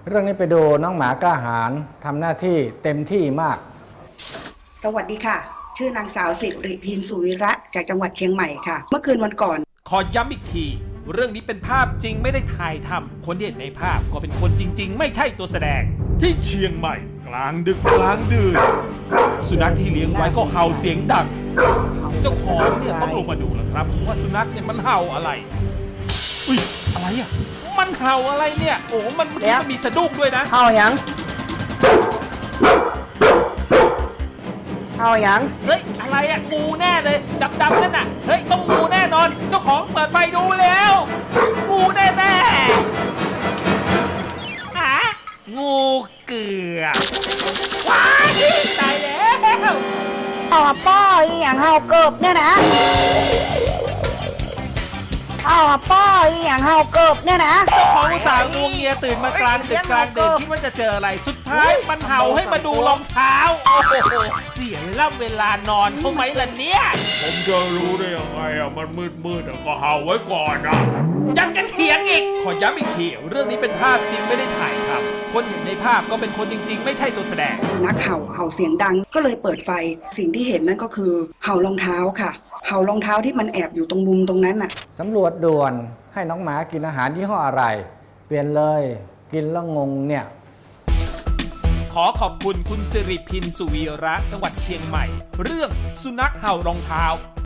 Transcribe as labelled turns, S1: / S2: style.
S1: เรื่องนี้ไปดูน้องหมากล้าหาญทำหน้าที่เต็มที่มาก
S2: สวัสดีค่ะ ชื่อนางสาวสิริพินสุวิระจากจังหวัดเชียงใหม่ค่ะ เมื่อคืนวันก่อน
S3: ขอย้ำอีกที เรื่องนี้เป็นภาพจริงไม่ได้ถ่ายทำคนที่เห็นในภาพก็เป็นคนจริงๆ ไม่ใช่ตัวแสดง ที่เชียงใหม่ กลางดึกกลางดื่นสุนัขที่เลี้ยงไว้ก็เห่าเสียงดัง เจ้าของเนี่ยต้องลงมาดูแล้วครับ ว่าสุนัขเนี่ยมันเห่าอะไรอุ้ยอะไรอ่ะมันเห่าอะไรเนี่ยโอ้มันเมื่อกี้มันมีสะดุ้งด้วยนะ
S2: เฮาหยังเฮาหยัง
S3: เฮ้ยอะไรอ่ะงูแน่เลยดำๆนั่นน่ะเฮ้ยต้องงูแน่นอน เจ้าของเปิดไฟดูแล้วงูแน่ๆหางูเกือบว้ายตายแล้ว
S2: เอาป้ออีหยังเฮาเกิบเนี่ยนะเอาป้ออีหยังเฮาเกิบเนี่ยนะ
S3: เขาอุตส่าห์งูเงียตื่นมากลางดึกกลางเดินคิดว่าจะเจออะไรสุดท้ายมันเห่าให้มาดูรองเท้าโอ้โหเสียเวลานอนเขาไหมล่ะเนี่ย
S4: ผมจะรู้ได้ยังไงอ่ะมันมืดก็เห่าไว้ก่อนนะ
S3: ยังจะเถียงอีกขอย้ำอีกทีเรื่องนี้เป็นภาพจริงไม่ได้ถ่ายทำคนเห็นในภาพก็เป็นคนจริงๆ ไม่ใช่ตัวแสดง
S2: สุนัขเห่าเสียงดังก็เลยเปิดไฟสิ่งที่เห็นนั่นก็คือเห่ารองเท้าค่ะเห่ารองเท้าที่มันแอบอยู่ตรงมุมตรงนั้นน่ะ
S1: สำรวจด่วนให้น้องหมากินอาหารยี่ห้ออะไร เปลี่ยนเลยกินแล้วงงเนี่ย
S3: ขอขอบคุณคุณสิริพินสุวีระจังหวัดเชียงใหม่ เรื่องสุนัขเห่ารองเท้า